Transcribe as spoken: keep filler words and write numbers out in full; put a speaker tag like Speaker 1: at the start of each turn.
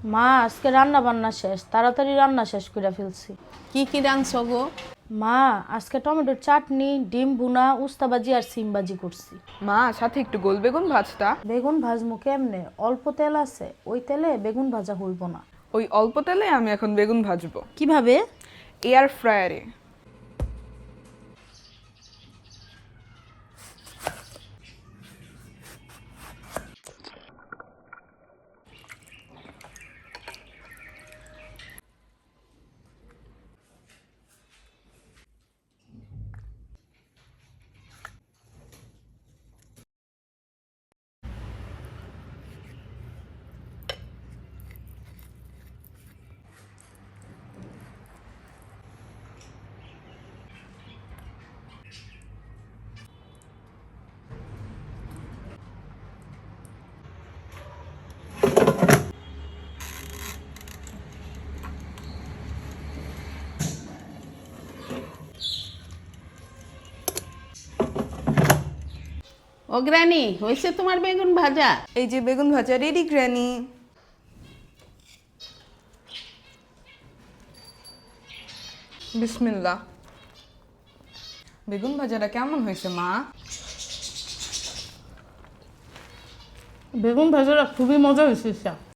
Speaker 1: মা আজকে রান্না বান্না শেষ, তাড়াতাড়ি রান্না শেষ করে ফেলছি।
Speaker 2: কি কি রাঁধছো গো?
Speaker 1: মা আজকে টমেটোর চাটনি, ডিম ভুনা, উস্তা ভাজি আর সিম ভাজি করছি।
Speaker 3: মা সাথে একটু গোল বেগুন ভাজতা।
Speaker 1: বেগুন ভাজমু কেমনে? অল্প তেল আছে, ওই তেলে বেগুন ভাজা হইব না।
Speaker 3: ওই অল্প তেলে আমি এখন বেগুন ভাজবো
Speaker 1: কিভাবে?
Speaker 3: এয়ার ফ্রায়ারে।
Speaker 2: ও গ্রানি, হয়েছে তোমার বেগুন ভাজা?
Speaker 3: এই যে বেগুন ভাজা রেডি গ্র্যানি। বিসমিল্লাহ। বেগুন ভাজাটা কেমন হয়েছে মা?
Speaker 1: বেগুন ভাজাটা খুবই মজা হয়েছে।